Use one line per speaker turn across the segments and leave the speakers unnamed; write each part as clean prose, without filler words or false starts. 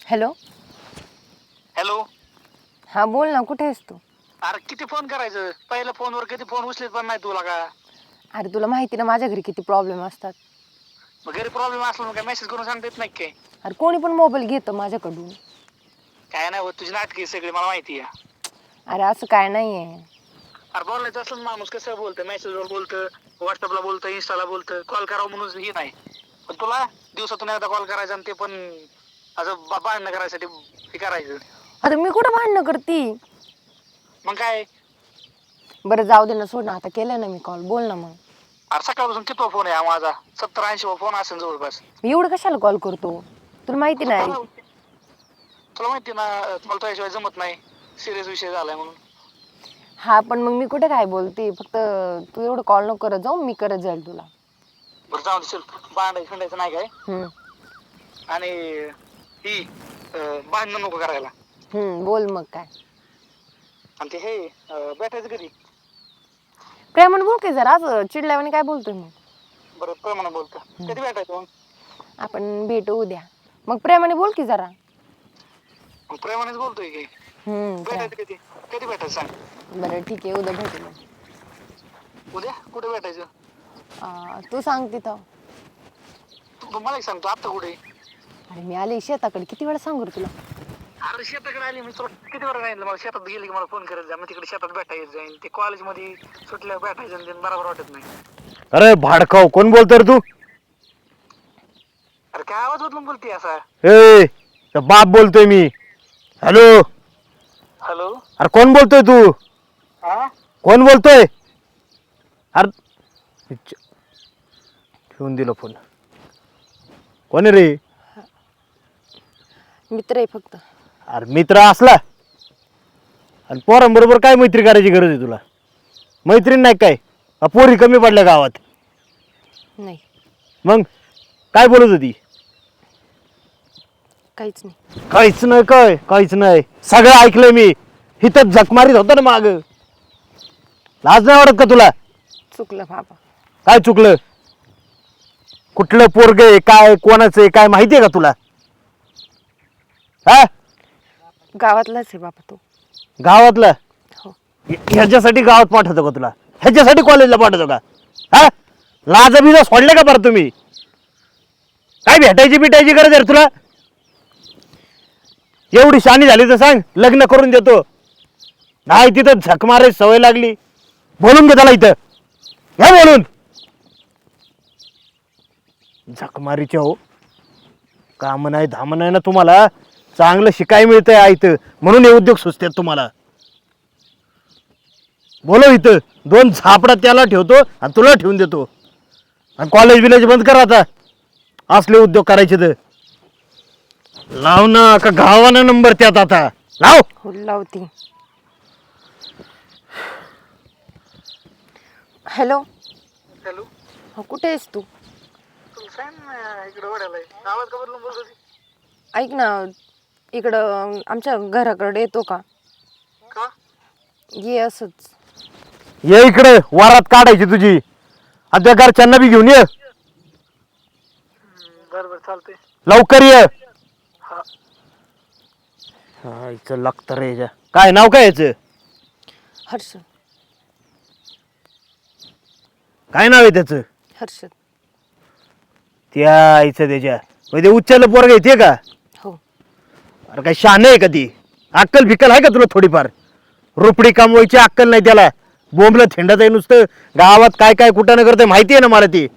Hello.
Hello.
हा बोल ना, कुठे आहेस तू?
अरे किती फोन करायचं, पहिल्या फोनवर किती फोन उचलीत पण नाही तुला का?
अरे तुला माहिती ना माझ्या घरी किती प्रॉब्लेम असतात.
मग घरी प्रॉब्लेम असला मग काय मेसेज करून सांगता येत नाही काय?
अरे कोणी पण मोबाईल घेतं माझ्याकडून.
काय नाही होत, तुझी नाटकी सगळी मला माहिती आहे.
अरे असं काय नाहीये.
अरे बोलायचं असलं माणूस कसं बोलतं, मेसेजवर बोलतं, व्हॉट्सअपला बोलतं, इन्स्टाला बोलतं, कॉल करावं म्हणून हे नाही. पण तुला दिवसातून एकदा कॉल करायचा आणि ते पण असं भांडणं करायसाठी हे करायचं.
आता मी कुठं भांडणं करती?
मग काय?
बरं जाऊ दे ना, सोड ना, आता केलं ना मी कॉल, बोल ना मग.
अरे सकाळपासून किती फोन आहे हा माझा, 70-80 फोन असेल जवळपास.
मी एवढं कशाला कॉल करतो? तुला माहिती
आता
नाही.
तुला माहिती ना, मला तुझ्याशिवाय जमत नाही, सिरियस विषय झालाय म्हणून.
हा पण मग मी कुठे काय बोलते, फक्त तू एवढं कॉल नको करत जाऊ, मी करत जाईल तुला.
बरं जाऊ दे, चल भांडायचं खंडायचं नाही काय. आणि ही भांडणं नको करायला.
बोल मग काय.
आणि ते हे भेटायचं कधी?
प्रेमाने बोल की जरा, असं चिडल्यावानी काय बोलतोय मग?
बरं प्रमाणे बोलतो, कधी भेटायचं मग?
आपण भेटू उद्या. मग प्रेमाने बोल की जरा.
मग प्रेमानेच बोलतोय की. भेटायचं कधी? कधी भेटायचं सांग.
बरं ठीक आहे, उद्या भेटू मग.
उद्या कुठे भेटायचं?
तू सांग तिथं.
तू मला एक सांगतो, आत्ता कुठे?
अरे मी आले शेताकडे, किती वेळा सांगू रे तुला?
अरे शेताकडे आली मी, तुला किती वेळा सांगितलं मला शेतात गेली की मला फोन करत जा, मग तिकडे शेतात भेटायचं जाईल. ते कॉलेजमध्ये सुटल्यावर भेटायचं आणि ते बरोबर वाटत नाही.
अरे भाडकाव, कोण बोलतोय रे तू?
अरे काय आवाज बदलून बोलते असा?
ए बाप बोलतोय मी. हॅलो.
हॅलो.
अरे कोण बोलतोय तू?
हा
कोण बोलतोय? अरे ठेवून दिलं फोन. कोण आहे रे?
मित्र आहे फक्त.
अरे मित्र असला आणि पोरांबरोबर काय मैत्री करायची गरज आहे तुला? मैत्रीण नाही काय? पोरी कमी पडल्या गावात?
नाही.
मग काय बोलत होती?
काहीच नाही.
काहीच नाही काय? काहीच नाही, सगळं ऐकलंय मी. हिथं झक मारीत होता ना माग. लाज नाही वाटत का तुला?
चुकलं बाबा.
काय चुकलं? कुठलं पोरग आहे, काय कोणाचं आहे, काय माहितीये का तुला? हा
गावातलाच आहे बाबा तो.
गावातला?
हो.
ह्याच्यासाठी गावात पाठवतो का तुला? ह्याच्यासाठी कॉलेजला पाठवतो का? हा लाजा बिजा सोडले का बरं तुम्ही? काय भेटायची बिटायची गरज आहे तुला? एवढी शानी झाली तर सांग, लग्न करून देतो. नाही तिथं झक मारायची सवय लागली. बोलून घे त्याला इथं. घ्या बोलून. झक मारीचे हो, काम नाही धाम नाही ना तुम्हाला. चांगलं शिकाय मिळतंय आयतं, म्हणून हे उद्योग सुचतात तुम्हाला. बोलो इथं, 2 झापडा त्याला ठेवतो आणि तुला ठेवून देतो. आणि कॉलेज बिलेज बंद करा आता, असले उद्योग करायचे तर. लाव ना, का गावाना नंबर त्यात आता लाव.
हो लावती. हॅलो.
हॅलो.
हो कुठे आहेस तू?
तुला सांग ना, इकडे ओढायलाय आवाज का बदलून बोलत होती?
ऐक ना, इकडं आमच्या घराकडे येतो का?
का?
ये असंच.
ये इकडे, वारात काढायची तुझी. आता घरच्यांना बी घेऊन ये.
बरं चालतंय.
लवकर ये.
हा.
हा इथं लागतं रे. काय नाव काय याचं?
हर्षद.
काय नाव आहे त्याचं?
हर्षद.
त्या आईचं त्याच्या म्हणजे उच्चाला पोरग येते का?
हो.
अरे काय शान आहे का ती? अक्कल फिकल आहे का तुला थोडीफार? रुपडी कमवायची अक्कल नाही त्याला. बोंबलं थेंडत आहे नुसतं. गावात काय काय कुठं न करते माहिती आहे ना मला ती.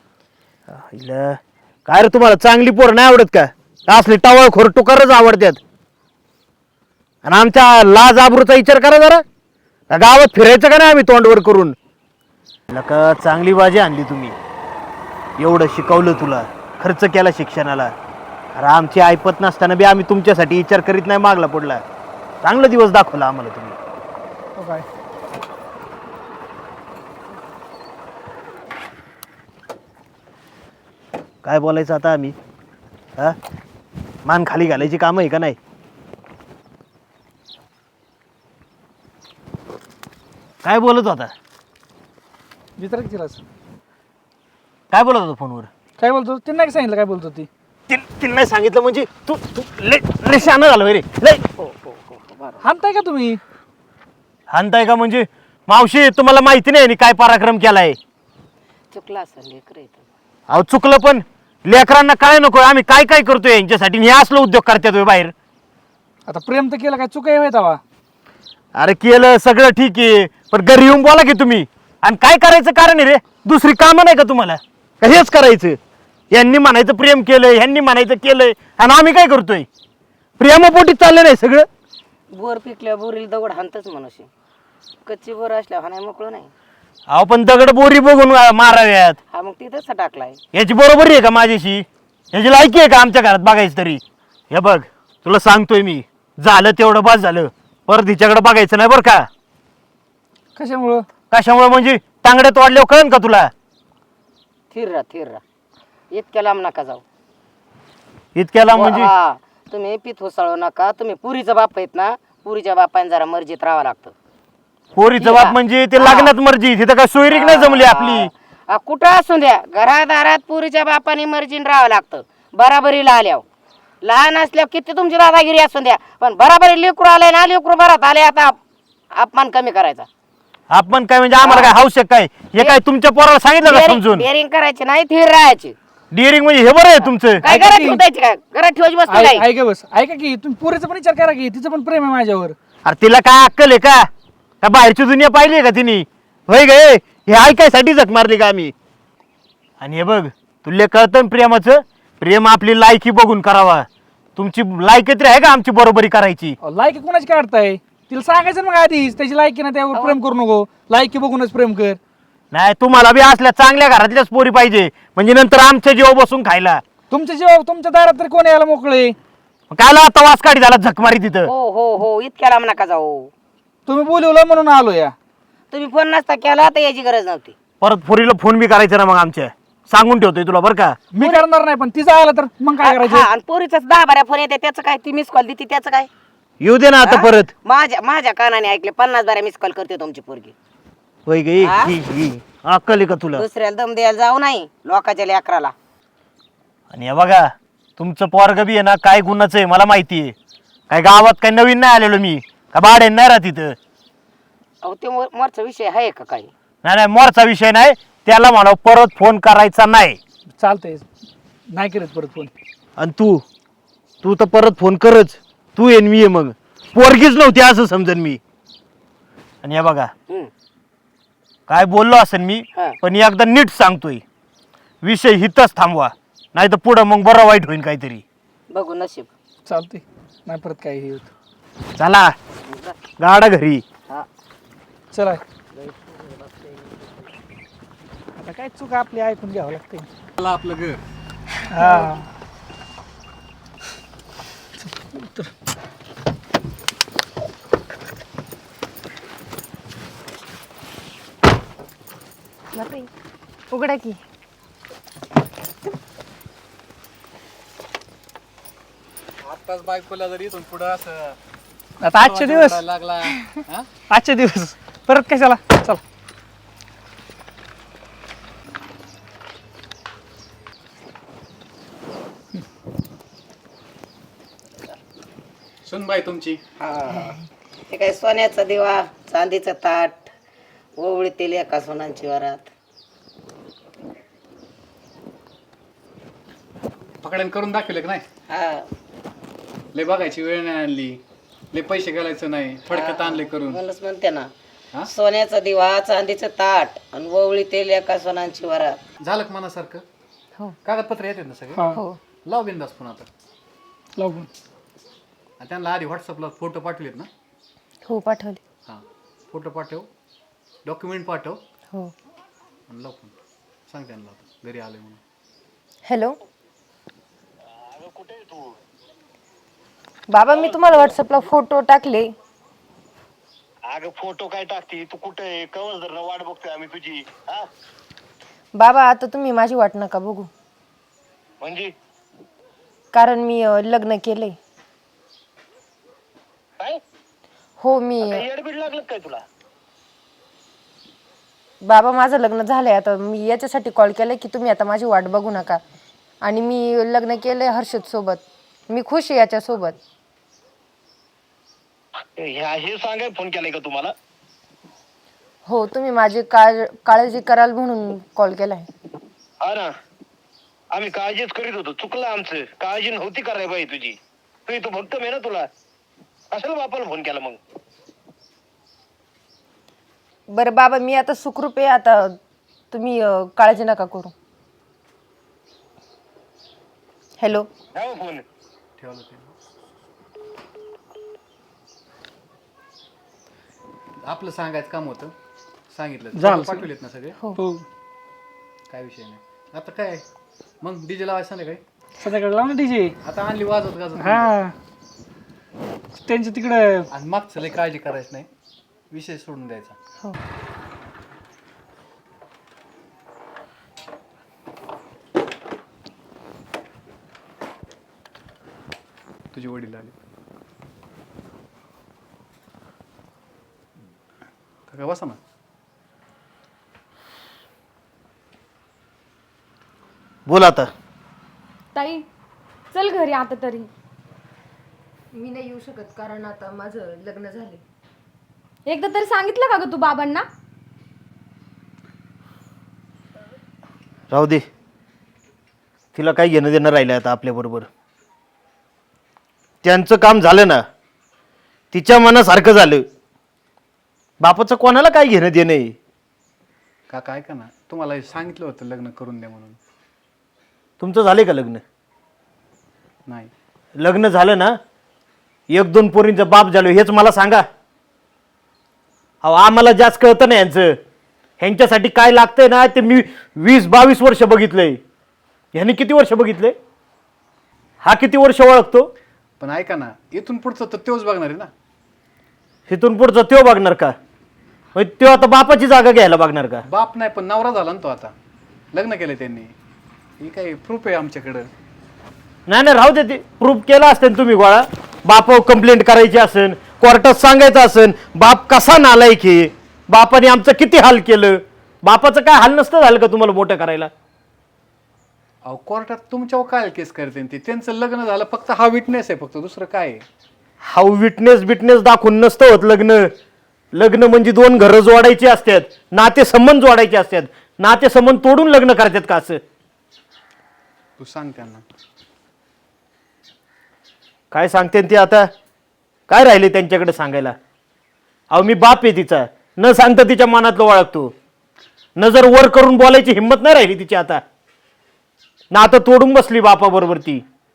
काय रे तुम्हाला चांगली पोर नाही आवडत का? असली टावळ खोर टुकारच आवडतात. आणि आमच्या लाज आबरूचा विचार करा जरा. गावात फिरायचं का नाही आम्ही तोंडवर करून? नका चांगली बाजी आणली तुम्ही. एवढं शिकवलं तुला, खर्च केला शिक्षणाला. अरे आमची ऐपत नसताना बी आम्ही तुमच्यासाठी विचार करीत नाही मागला पडला. चांगला दिवस दाखवला आम्हाला तुम्ही.
काय?
काय बोलायचं आता आम्ही? हा मान खाली घालायची काम आहे का नाही? काय बोलत होता?
विचार की तिलाच.
काय बोलत होता फोनवर?
काय बोलतो? तिने नाही सांगितलं काय बोलतो ती?
तिला नाही सांगितलं म्हणजे तू तू लय शहाणा झालं रे लय.
हाणताय का तुम्ही?
हाणताय का म्हणजे मावशी तुम्हाला माहिती नाही काय पराक्रम केलाय.
चुकला असं लेकर
अहो चुकलं पण लेकरांना काय नको आम्ही काय काय करतोय यांच्यासाठी हे असलं उद्योग करतात होय बाहेर.
आता प्रेम तर केलं काय चुकाय होय तवा?
अरे केलं सगळं ठीक आहे पण घरी येऊन बोला की तुम्ही. आणि काय करायचं कारण आहे रे दुसरी कामं नाही का तुम्हाला का हेच करायचं. यांनी म्हणायचं प्रेम केलंय ह्यांनी म्हणायचं केलंय आणि आम्ही काय करतोय प्रेमापोटी चाललं नाही सगळं.
बोर पिकल्या बोरील दगड हाणतच मनुष्य. कच्ची बोर असल्या हाणाय मोकळं नाही.
अहो पण दगड बोरी बघून माराव्यात.
हा मग तिथंच टाकलाय.
याची बरोबरी आहे का माझ्याशी याची लायकी आहे का आमच्या घरात बघायचं तरी. हे बघ तुला सांगतोय मी झालं तेवढं बस झालं परत हिच्याकडे बघायचं नाही बरं का.
कशामुळं?
कशामुळे म्हणजे तांगड्यात वाढल्यावर कळन का तुला.
थिर राहा. इतक्या लांब नका जाऊ.
इतक्याला म्हणजे
हा तुम्ही पित होसाळू नका. तुम्ही पुरीचा बाप आहेत ना. पुरीच्या बापाने जरा मर्जीत राहावं लागतं.
पोरीचं बाप म्हणजे ते लग्नात मर्जी तिथं काय सोयरीक नाही जमली आपली.
कुठं असू द्या घरादारात पुरीच्या बापाने मर्जीन राहावं लागतं. बराबरीला आल्यावर लहान असल्यावर किती तुमची दादागिरी असू द्या पण बराबरी लेकरू आलंय ना लेकरू बरात आले आता अपमान कमी करायचा.
आपण काय म्हणजे आम्हाला काय हाऊस काय हे काय तुमच्या पोराला सांगितलं का समजून.
डेअरिंग करायची नाही थिर राहायची.
डिअरिंग म्हणजे हे बरं आहे तुमचं.
काय घरात ठेवायची काय घरात ठेवायची वस्तू नाही.
ऐका बस ऐका की तुम्ही पोरीचा पण विचार करा की तिचं पण प्रेम आहे माझ्यावर.
अरे तिला काय अक्कल आहे का बाहेरची दुनिया पाहिली आहे का तिने होय गे हे ऐकायसाठी झक मारली का आम्ही. आणि हे बघ तुला कळतं प्रेमाचं प्रेम आपली लायकी बघून करावा. तुमची लायकी तरी आहे का आमची बरोबरी करायची.
लायकी कोणाची काढताय? तिला सांगायचं मग आधीच त्याची लायकी ना त्यावर प्रेम करू नको. लायकी बघूनच प्रेम कर.
नाही तुम्हाला बी असल्या चांगल्या घरातल्याच पोरी पाहिजे म्हणजे नंतर आमच्या जीव बसून खायला.
तुमच्या जेव्हा तुमच्या दारात तरी कोण यायला मोकळे?
कायला आता वास काढी झाला झकमारी तिथं.
हो इतक्या लांब नका जाऊ.
तुम्ही बोलवलं म्हणून आलो या.
तुम्ही फोन नसता केला तर याची गरज नव्हती.
परत पोरीला फोन बी करायचा ना मग आमच्या सांगून ठेवतोय तुला बरं का.
मी करणार नाही पण तिचं आलं तर मग काय
हा
करायचं?
आणि पोरीचाच 10-12 फोन येते त्याचं काय. ती मिस कॉल देते त्याचं काय.
येऊ दे ना आता
हा?
परत.
माझ्या कानाने ऐकले 50-12 मिस कॉल करते तुमची पोरगी.
होय गे
हा?
अक्कल आहे का तुला.
दुसऱ्याला दम द्यायला जाऊ नाही लोकांच्या लेकराला.
आणि हे बघा तुमचं पोरग बी आहे ना काय गुन्हाचं आहे मला माहिती आहे. काय गावात काय नवीन नाही आलेलो मी का भाडे नाही राहत इथं.
अहो ते मोरचा विषय आहे का काही.
नाही मोरचा विषय नाही त्याला म्हणा परत फोन करायचा नाही.
चालतंय नाही करत परत फोन.
आणि तू तर परत फोन करच. तू येईन मी ये मग पोरगीच नव्हती असं समजन मी. आणि हे बघा
हम्म.
काय बोललो असेल मी
हा.
पण एकदा नीट सांगतोय विषय हितच थांबवा नाही तर पुढं मग बरं वाईट होईल काहीतरी.
बघू नशीब.
चालतंय नाही परत काय हे होत.
चला गाडा घरी.
हा.
चला आता काय चूक आपली ऐकून घ्यावं लागतंय.
आपलं घर
हा
बापरे उघडा की.
आत्ताच बायकोला जर इथून पुढं असं
आता आजचे दिवस
लागला हा?
आजचे दिवस परत कशाला. चला
सुनबाई तुमची
हे काय सोन्याचा दिवा चांदीचं ताट ओवळीतील एका सोनांची वरात.
पकडण करून दाखवले का नाही.
हा
लय बघायची वेळ नाही आणली. लय पैसे घालायचं नाही थोडक्यात आणले करून.
म्हणूनच म्हणते ना
हा?
सोन्याचा दिवा चांदीचं ताट आणि ओवळीतील एका सोनांची वरात.
झालं का मनासारखं.
हो.
कागदपत्र येतात ना सगळे.
हा
हो
लाव बिंदास फोन आता.
लागून
आणि त्यांना आधी व्हॉट्सअपला फोटो पाठवलेत ना.
हो पाठवले.
हां फोटो पाठव डॉक्युमेंट पाठव
हो.
आणि लाव फोन. सांग त्यांना आता घरी आले म्हणून.
हॅलो बाबा मी तुम्हाला व्हॉट्सअपला फोटो टाकले.
अगं फोटो काय टाकते तू कुठे आहे कवच धरणं वाट बघतोय आम्ही तुझी. हा
बाबा आता तुम्ही माझी वाट नका बघू
म्हणजे
कारण मी लग्न केलंय.
काय
हो मी
येडबीड लागलं काय तुला.
बाबा माझं लग्न झालंय आता मी याच्यासाठी कॉल केलाय की तुम्ही आता माझी वाट बघू नका. आणि मी लग्न केलंय हर्षद सोबत, मी खुश आहे याच्यासोबत.
हे सांगाय फोन केलाय का तुम्हाला?
हो, तुम्ही माझी काळजी कराल म्हणून कॉल केलाय.
हा ना, आम्ही काळजीच करीत होतो. चुकलं आमचं, काळजी नव्हती करायला पाहिजे तुझी. तू भक्कम आहे ना, तुला कशाला बापाला फोन केला मग?
बरं बाबा, मी आता सुखरूप आहे. आता तुम्ही काळजी नका करू. हॅलो.
ठेवा फोन.
ठेवलं ते आपलं सांगायचं काम होतं, सांगितलं.
झालं.
पाठवलेत ना सगळे,
हो
काय विषय नाही. आता काय मग डीजे लावायचं नाही काय?
सध्याकडे लाव ना डीजे.
आता आणली वाजत गाजत
हा त्यांच्या तिकडं.
आणि मागचं लय काळजी करायची नाही, विषय सोडून द्यायचा.
हो.
तुझे वडील आले. काका बसा ना.
बोल आता.
ताई चल घरी आता तरी.
मी नाही येऊ शकत कारण आता माझं लग्न झाले.
एकदा तरी सांगितलं का ग तू बाबांना?
राहू दे, तिला काही घेणं देणं राहिलं आता आपल्याबरोबर. त्यांचं काम झालं ना, तिच्या मनासारखं झालं. बापाचं कोणाला काय घेणं देणं आहे?
काका ऐका ना, तुम्हाला हे सांगितलं होतं लग्न करून द्या म्हणून.
तुमचं झालंय का लग्न?
नाही.
लग्न झालं ना, 1-2 पोरींचा बाप झालो हेच मला सांगा. अहो आम्हाला जास्त कळतं ना यांचं. ह्यांच्यासाठी काय लागतंय ना ते मी 20-22 वर्ष बघितलंय. ह्यांनी किती वर्ष बघितले? हा किती वर्ष ओळखतो?
पण ऐका ना, इथून पुढचं तर तोच बघणार आहे ना.
इथून पुढचं त्यो बघणार का? त्यो आता बापाची जागा घ्यायला बघणार का?
बाप नाही पण नवरा झाला ना तो. आता लग्न केलं त्यांनी, हे काही प्रूफ आहे आमच्याकडं.
नाही नाही राहू दे, ते प्रूफ केला असतं तुम्ही गोळा. बापावर कंप्लेंट करायची असेल, कोर्टात सांगायचं असेल बाप कसा नालायक आहे, बापाने आमचं किती हाल केलं. बापाचं काय हाल नसतं झालं का तुम्हाला मोठं करायला?
अहो कोर्टात तुमच्यावर काय केस करते ते? त्यांचं लग्न झालं, फक्त हा विटनेस आहे, फक्त दुसरं काय आहे?
हा विटनेस दाखवून नसतं होत लग्न. लग्न म्हणजे 2 घरं जोडायची असतात, नातेसंबंध जोडायचे असतात. नातेसंबंध तोडून लग्न करतात का असं?
तू सांग त्यांना.
काय सांगते ते आता? काय राहिले त्यांच्याकडे सांगायला? अहो मी बाप आहे तिचा, न सांगता तिच्या मनातलं ओळखतो. नजर वर करून बोलायची हिंमत नाही राहिली तिची आता. ना आता तोडून बसली बापाबरोबर ती.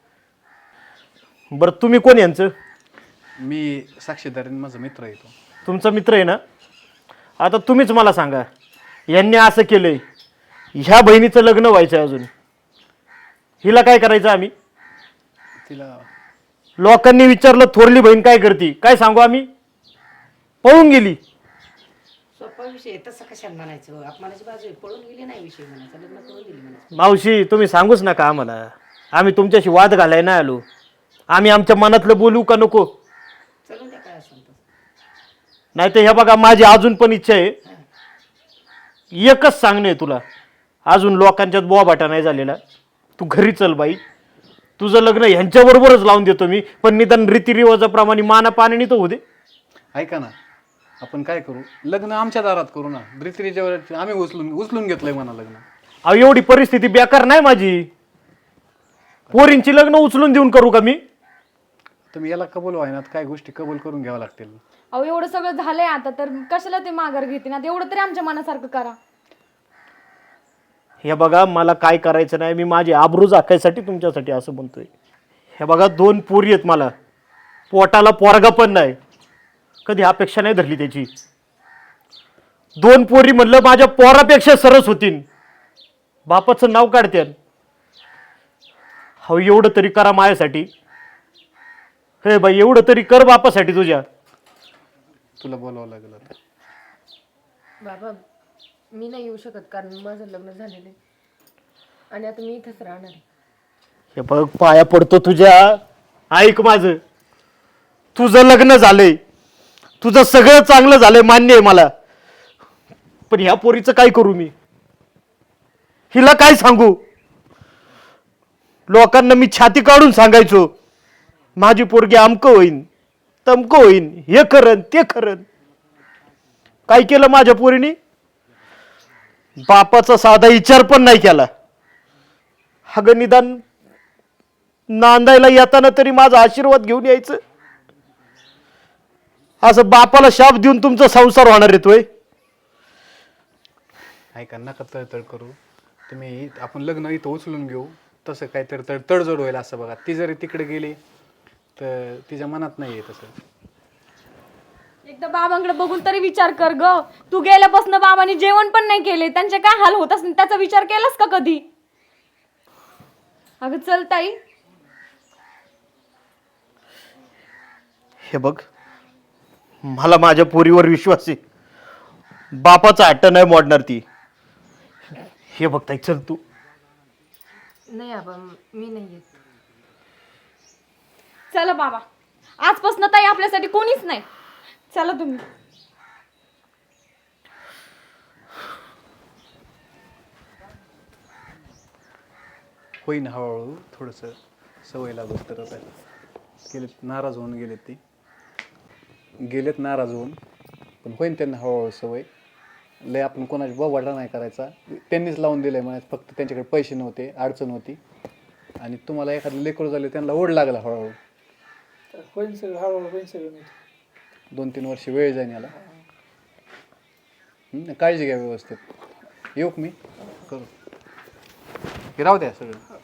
बरं तुम्ही कोण यांचं?
मी साक्षीदार, माझा मित्र येतो.
तुमचा मित्र आहे ना? आता तुम्हीच मला सांगा, यांनी असं केलंय, ह्या बहिणीचं लग्न व्हायचं अजून, हिला काय करायचं आम्ही?
तिला
लोकांनी विचारलं थोरली बहीण काय करते, काय सांगू आम्ही? पळून गेली.
सोपा विषय तसं कशाला म्हणायचं? अपमानाची बाजू आहे, पळून गेली नाही विषय म्हणायचा, लग्न करून दिली म्हणायचं.
मावशी तुम्ही सांगूच नका आम्हाला, आम्ही तुमच्याशी वाद घालाय नाही आलो. आम्ही आमच्या मनातलं बोलू का नको?
चलून त्या काय असेल तसं.
नाही तर हे बघा, माझी अजून पण इच्छा आहे, एकच सांगणे तुला, अजून लोकांच्यात बोबाटा नाही झालेला. तू घरी चल बाई, तुझं लग्न ह्यांच्याबरोबरच लावून देतो मी, पण निदान रीतिरिवाजाप्रमाणे माना पाण्याने तर होऊ दे.
ऐका ना, आपण काय करू, लग्न आमच्या दारात करू ना. रित्रीच्यावर आम्ही उचलून घेतलंय म्हणा लग्न.
अहो एवढी परिस्थिती बेकार नाही माझी. पोरींची लग्न उचलून देऊन करू का मी?
तुम्ही याला कबूल व्हायना, काय गोष्टी कबूल करून घ्याव्या लागतील.
अहो एवढं सगळं झालंय आता, तर कशाला ते माघार घेते ना? एवढं तरी आमच्या मनासारखं करा.
हे बघा, मला काय करायचं नाही, मी माझी आबरू झाकायसाठी तुमच्यासाठी असं म्हणतोय. हे बघा 2 पोरी आहेत मला, पोटाला पोरगा पण नाही, कधी अपेक्षा नाही धरली त्याची. 2 पोरी म्हणलं माझ्या पोरापेक्षा सरस होतीन, बापाचं नाव काढत्यान. हो एवढं तरी करा माझ्यासाठी. हे बाई एवढं तरी कर बापासाठी तुझ्या.
तुला बोलावं लागेल आता.
बाबा मी नाही येऊ शकत कारण माझं लग्न झालेलं आहे आणि आता मी इथंच राहणार आहे.
हे बघ पाया पडतो तुझ्या, ऐक माझं. तुझं लग्न झालंय, तुझं सगळं चांगलं झालंय, मान्य आहे मला, पण ह्या पोरीचं काय करू मी? हिला काय सांगू? लोकांना मी छाती काढून सांगायचो माझी पोरगी अमकं होईन तमकं होईन, हे करन ते करन. काय केलं माझ्या पोरीने? बापाचा साधा विचार पण नाही केला. अगं निदान नांदायला येताना तरी माझा आशीर्वाद घेऊन यायचं. असं बापाला शाप देऊन तुमचा संसार होणार येतोय.
ऐका नका तळतळ करू तुम्ही. आपण लग्न इथं उचलून घेऊ, तसं काहीतरी तडजोड होईल असं बघा. ती जरी तिकडे गेली तर तिच्या मनात नाही आहे तसं.
एकदा बाबांकडे बघून तरी विचार कर ग. तू गेल्यापासून बाबांनी जेवण पण नाही केले, त्यांचे काय हाल होत असतील त्याचा विचार केलास का कधी? अगं चल ताई.
हे बघ, मला माझ्या पोरीवर विश्वास आहे. बापाचा हट्ट नाही मोडणार ती. हे बघ ताई, चल तू.
नाही आबा, मी नाही येत.
चला बाबा, आजपासून ताई आपल्यासाठी कोणीच नाही. चला तुम्ही.
होईन हळूहळू थोडंसं सवय लागत. तर आता गेलेत नाराज होऊन गेलेत नाराज होऊन, पण होईन त्यांना हळूहळू सवय. लय आपण कोणाची बोबाटा नाही करायचा. त्यांनीच लावून दिलंय म्हणायचं, फक्त त्यांच्याकडे पैसे नव्हते, अडचण होती. आणि तुम्हाला एखादं लेकरू झाले त्यांना ओढ लागला हळूहळू.
होईल सगळं हळूहळू होईल सगळं.
2-3 वर्ष वेळ जाईन याला. काळजी घ्या व्यवस्थित. येऊ का मी? करू. हे राहू द्या सगळं.